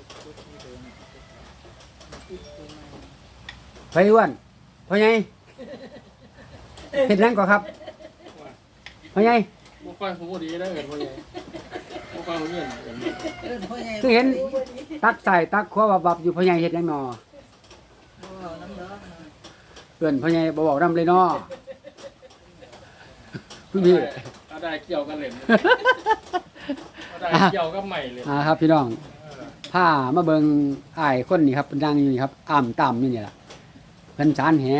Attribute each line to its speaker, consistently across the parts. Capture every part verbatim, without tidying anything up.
Speaker 1: ไปอ้วนพ่อใหญ่เฮ็ดหยังก่อนครับพ่อใหญ่
Speaker 2: บ่ค่อยหูดีได้เอิ้นพ่อใหญ่บ่ค่อยหูเงินเอิ้น
Speaker 1: คือเห็นตักใส่ตักขัวบับๆอยู่พ่อใหญ่เฮ็ดหยังหนอเอิ้นพ่อใหญ่บ่เว้านำเลยเนาะคุณพี่
Speaker 2: เอาได้เกี่ยวกันเล่นเอาได้เกี่ยวกับใหม่เลย
Speaker 1: อ่าครับพี่น้องพามาเบิ่งอ้ายคนนี้ครับเพิ่นนั่งอยู่นี่ครับอ้ำต่ำอยู่นี่ล่ะเพิ่นสานแห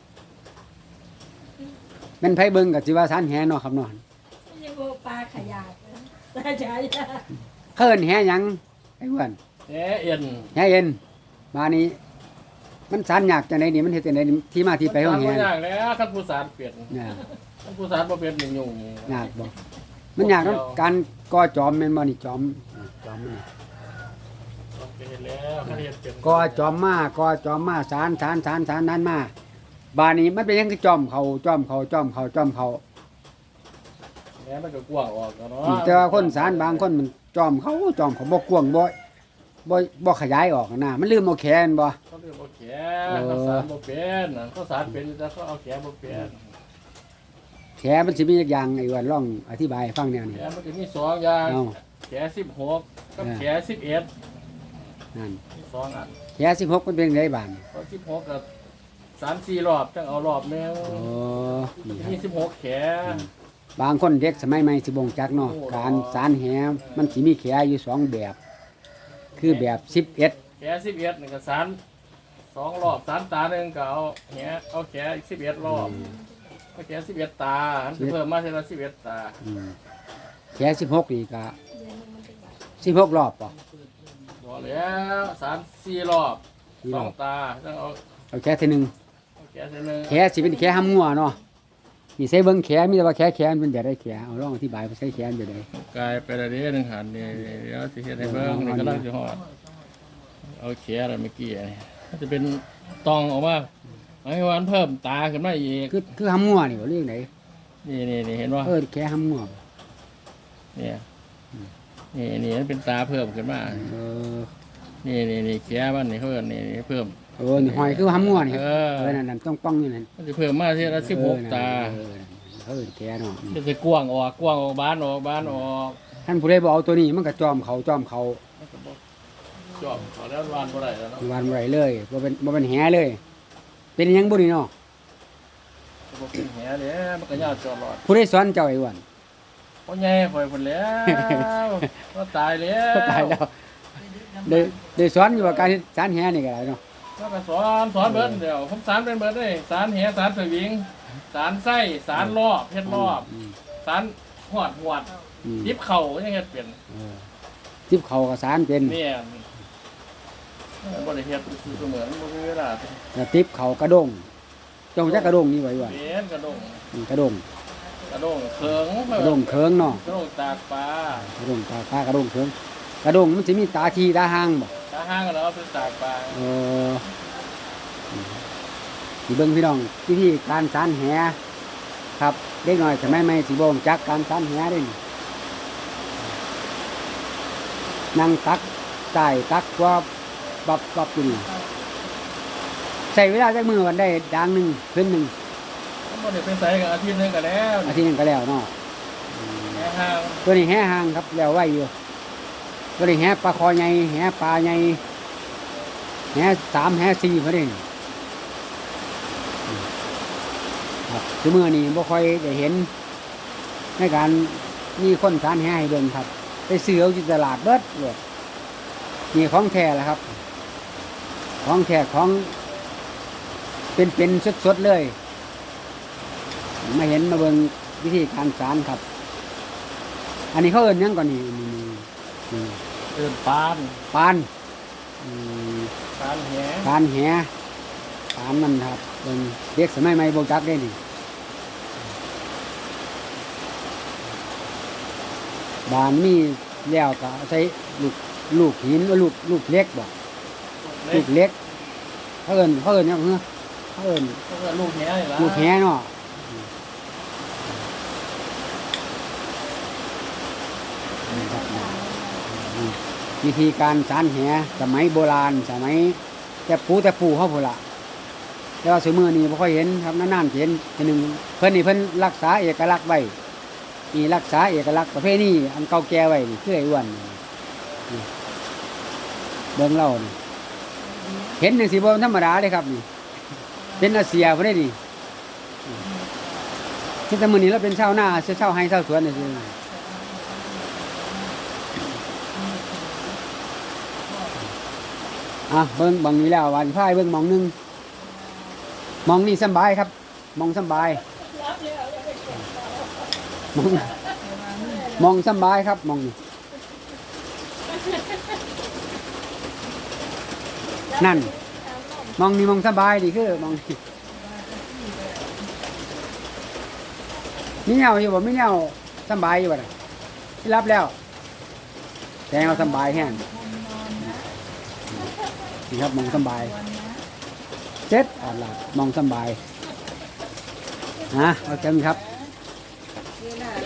Speaker 1: แม่นไผเบิ่งก็สิว่าสานแหเนาะครับเนาะ
Speaker 3: ยังบ่ปลาขยาดตาจ๋า
Speaker 1: เพิ่นแหหยังไอ้อ้วน
Speaker 2: แหเอ็น
Speaker 1: แหเอ็นมานี้มันสานยากจังได๋นี่มันเฮ็ดจังได๋นี่ที่มาที่ไปของแห
Speaker 2: มันยากแล้วคันผู้สารเปลี่ยน
Speaker 1: เนี่ย
Speaker 2: คันผู้สารบ่เป็นนี่ยุ่ง
Speaker 1: ยากบ่มันยากเนาะการก่อจอมแม่นบ่นี่จอมจอมมัน
Speaker 2: ต้องไปเฮ็ดแล้วคันเฮ็ดเป็น
Speaker 1: ก่อจอมมาก่อจอมมาสานสานสานสานนั้นมาบาดนี้มันเป็นหยังคือจอมเขาจอมเขาจอมเขาจอมเขา
Speaker 2: แหมันก็กว้างออกแล้วเนาะ
Speaker 1: แต่ว่าคนสารบางคนมันจอมเขาจอมเขาบ่กว้างบ่บ่บ่ขยายออกนะมันลืมเอาแขนบ่
Speaker 2: เขาเรียกว่าแขเขาสารบ่เป็นน่ะเขาสารเป็นแต่เขาเอาแขบ่เป็น
Speaker 1: แขมันสิมีอีกอย่างไอ้ว่าลองอธิบายให้ฟังแนวนี้
Speaker 2: แขมันก็มีสองอย่าง
Speaker 1: เอา
Speaker 2: แขสิบหกกับแขสิบเอ็ด
Speaker 1: นั่น
Speaker 2: มีสองอัน
Speaker 1: แขสิบหกมันเป็นไงบาดนี่
Speaker 2: เพราะสิบหกกับสามสี่รอบจังเอารอบหนึง
Speaker 1: โอ้นี่ครั
Speaker 2: มี
Speaker 1: บ
Speaker 2: สิบหกแข
Speaker 1: บางคนเด็กสมัยใหม่สิบ่งจักเนาะการสารแหมันสิมีแขอยู่สองแบบ คือแบบสิบเอ็ด
Speaker 2: แขสิบเอ็ดนี่ก็สารสองรอบสารตาหนึ่งก็เอาแขเอาแขอีกสิบเอ็ดรอบเอาแขสิบเอ็ดตาอันสิเพิ่มมาเท่าละสิบเอ็ดตา
Speaker 1: อืมแขสิบหกนี่ก็สิบหกรอบป่ะ
Speaker 2: บอกแล้วสารสี่รอบ
Speaker 1: สี่
Speaker 2: ส
Speaker 1: ร
Speaker 2: อ
Speaker 1: อง บ
Speaker 2: ตาต้องเอา
Speaker 1: เอาแขทีหนึง
Speaker 2: เอาแขเท่านึง
Speaker 1: แขสิเป็นแขห้ำงัวเนาะนี่ใส่เบิ่งแขมีแต่ว่าแขแขมันเป็นแบบใดแขเอาลองอธิบายว่าใส่แขมันแบบใด
Speaker 2: กลายไปละเด้หนึ่งหันนี่เดี๋ยวสิเฮ็ดให้เบิ่งนี่ก็ลังสิฮอดเอาแขอะไรเมื่อกี้นี่มันจะเป็นตองออกมาไอ้วันเพิ่มตาขึ้นมาอีก
Speaker 1: คือคือห้ำงัวนี่บ่เรื่องไหน
Speaker 2: นี่นี่นี่เห็นว่า
Speaker 1: เออแขห้ำงัวบ่
Speaker 2: เนี่ยนี่นี่มันเป็นตาเพิ่มขึ้นมา
Speaker 1: เออ
Speaker 2: นี่นี่นี่แขมันนี่เพิ่มนี่นี่เพิ่ม
Speaker 1: เออนี่หอยคือห้ำงัวนี่
Speaker 2: เออ
Speaker 1: เออนั่นนั่นต้องป้องอยู่นั่น
Speaker 2: มันจะเพิ่มมาที่ละสิบหกตา
Speaker 1: เออเออแขเนาะ
Speaker 2: มันจะกว้างออกกว้างออกบานออกบานออก
Speaker 1: ท่านผู้ใดบ่เอาตัวนี้มันก็จอมเขาจอมเขา
Speaker 2: มันก็บ่จอบเขาแล้ววานบ่ได้แล้วเนาะ
Speaker 1: วานบ่ได้เลยบ่เป็นบ่เป็นแหเลย เป็นหยังบ่นี่เนาะ
Speaker 2: บ่เป็นแหเลยมันก็ยาวจอดรอด
Speaker 1: ผู้ใดสอนเจ้าไอ้อ้วน
Speaker 2: พ่อใหญ่ข่อยพุ่นแล้วก็ตายแล้ว
Speaker 1: ตายแล้วได้ได้สอนอยู่ว่าการเฮ็ดสารแหนี่ก็ได้เนาะ
Speaker 2: แล้วก็สอนสอนเบิดเดี๋ยวผมสารเป็นเบิดเลยสารแหสารสวิงสารไส้สารรอบเฮ็ดรอบ
Speaker 1: ม
Speaker 2: สารหวดหวด
Speaker 1: อืม
Speaker 2: ดิบเข่ายังเฮ็ดเป็น
Speaker 1: เออทิพเขาก็สารเป็น
Speaker 2: เนี่ยบ่ได้เฮ็ดคือเสมือนบ่มีเวลา
Speaker 1: แล้วทิพเขากระด้งเจ้าจักกระด้งนี่ไว้ว่า
Speaker 2: เป็นกระดง
Speaker 1: อืมกระด้ง
Speaker 2: กระดงเคิง
Speaker 1: กระด้งเคิงเนาะ
Speaker 2: กระดงตากปลาก
Speaker 1: ระด้งตาตากระด้งเคิงกระด้งมันสิมีตาทีตาหางบ่
Speaker 2: ตาห้างก็แล้วเอาไปตากปลา
Speaker 1: เออสิเบิ่งพี่น้องวิธีการสารแหครับเด็กน้อยสมัยใหม่สิบ่รู้จักการสารแหเด้นี่นั่งตักใส่ตักว่าบับบับอยู่นี่ใช้เวลาจักมือวันได้ดังหนึงขึ้นหนึง
Speaker 2: ผมบ่ได้เป็นไสกับอาทิตย์หนึงก็แล้ว
Speaker 1: อาทิตย์หนึงก็แล้วเนาะ
Speaker 2: แค่ห้าง
Speaker 1: ตัวนี้แห่หางครับแล้วไว้อยู่ตัวนี้แห่ปลาคอใหญ่แห่ปลาใหญ่แห่สามแห่สี่พอดีครับคือเมื่อนี้บ่ค่อยได้เห็นในการมีคนสานแห่ให้เบิ่งครับไปซื้อเอาที่ตลาดเบิดเลยนี่ของแท้แหละครับ ของแท้ของเป็นเป็นสดๆเลยมาเห็นมาเบิ่งวิธีการสานครับ อันนี้เขาเอิ้นหยังก่อนนี่นี่นี่
Speaker 2: เอิ้นปาน
Speaker 1: ปานอืม
Speaker 2: ปานแห
Speaker 1: ปานแหปานมันครับเป็นเด็กสมัยใหม่บ่จักได้นี่บานมีแล้วก็ใช้ลูกลูกหินว่าลูกลูกเล็กบ่
Speaker 2: เล็
Speaker 1: ลู
Speaker 2: ก
Speaker 1: กเล็กเขาเอิ้นเขาเอิ้นหยังเหรอเขาเอิ้น
Speaker 2: เขาก็ลูกแหนี่ล่ะ
Speaker 1: ลูกแหเนาะนี่ครับนี่วิธีการสารแหสมัยโบราณสมัยแต่ปูแต่ปูเขาพูละแต่ว่าสมือนี้บ่ค่อยเห็นครับนานๆเห็นทีหนึ่งเพิ่นนี่เพิ่นรักษาเอกลักษณ์ไว้นี่รักษาเอกลักษณ์ประเภทนี้อันเก่าแก่ไว้นี่คือไอ้อ้วนนี่เบิ่งเล่านี่เห็นจังสิบ่ธรรมดาเลยครับนี่เป็นอาเซียบ่ได้นี่ที่แต่มื้อนี้เราเป็นชาวนาชาวไร่ชาวสวนนี่สิอ่ะเบิ่งบางนี้แล้ววันพายเบิ่งหมองหนึงหมองนี่สำบายครับหมองสำบายหมองหมองสำบายครับหมองนี่นั่นหมองนี่หมองสำบายนี่คือหมองนี่มีเหงาอยู่บ่มีเหงาสำบายอยู่บ่ล่ะที่รับแล้วแต่เอาสำบายแห้งนี่ครับหมองสำบายเจ็ดอ่อนหลับมองสบายนะโอเคครับ
Speaker 3: เวลา